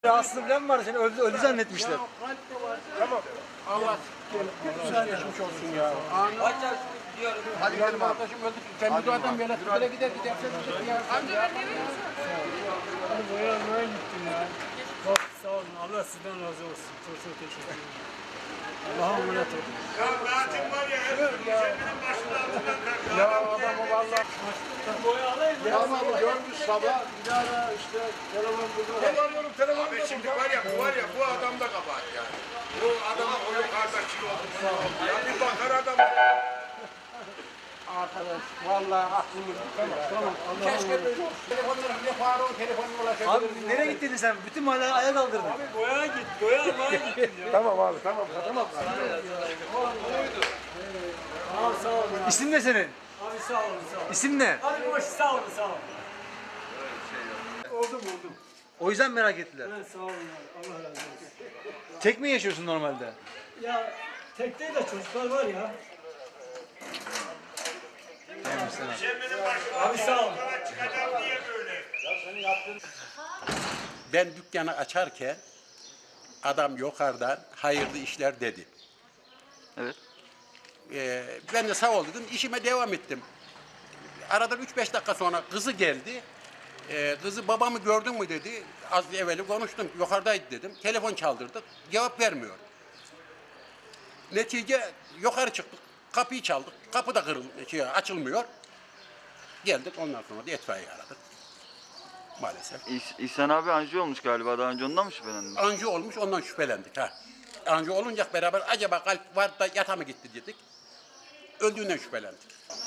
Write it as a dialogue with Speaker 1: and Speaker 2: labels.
Speaker 1: Rahatsızlığı falan mı vardı? Seni öldü zannetmişler.
Speaker 2: Tamam. Allah geçmiş olsun ya. Hadi gidelim arkadaşım öldü. Sen bu adam böyle böyle gider gidersen ya. Amca ben ne veriyorsun?
Speaker 3: Boyamaya gittim ya. Çok sağ olun. Allah sizden razı olsun. Çok çok teşekkür ederim. Allah'a emanet olun.
Speaker 4: Ya Natim var ya, hep senin başının altından kalktı.
Speaker 2: Ya adamı valla.
Speaker 3: Boya alayım mı?
Speaker 2: Tamam görmüş sabah. Bir ara işte telefon buldu. Telefon telefon.
Speaker 4: Abi şimdi var ya bu adam da kabahat yani. Bu adamın o yukarıda çiğ oldu. Ya bir bakar adam.
Speaker 2: Arkadaş vallahi aklımız tamam. Keşke böyle olsun. Telefonları bile Faruk'un telefonuna ulaşabiliriz.
Speaker 1: Abi nereye gittin sen? Bütün mahalleyi ayağa kaldırdın.
Speaker 3: Boyaya git. Boya almaya gittim ya.
Speaker 2: Tamam abi tamam.
Speaker 3: Tamam sağ olun.
Speaker 1: İsim ne senin?
Speaker 3: Abi sağ olun sağ olun.
Speaker 1: İsim ne?
Speaker 3: Hadi boş sağ olun sağ olun. Oldum.
Speaker 1: O yüzden merak ettiler.
Speaker 3: Evet sağ olun abi. Allah razı olsun.
Speaker 1: Tek mi yaşıyorsun normalde?
Speaker 3: Ya tekte de çocuklar var ya. Abi sağ olun.
Speaker 4: Çıkacağım diye böyle.
Speaker 5: Ben dükkanı açarken adam yukarıdan hayırlı işler dedi.
Speaker 6: Evet.
Speaker 5: Ben de sağ ol dedim, işime devam ettim. Aradan 3-5 dakika sonra kızı geldi. Kızı babamı gördün mü dedi. Az evvel konuştum, yukarıdaydı dedim. Telefon çaldırdık, cevap vermiyor. Netice yukarı çıktık, kapıyı çaldık. Kapı da açılmıyor. Geldik ondan sonra da itfaiye aradık. Maalesef.
Speaker 6: İhsan abi anjiyo olmuş galiba. Daha önce ondan mı şüphelendin?
Speaker 5: Anjiyo olmuş, ondan şüphelendik. Anjiyo olunca beraber acaba kalp var da yata mı gitti dedik. Öldüğünden şüphelendik.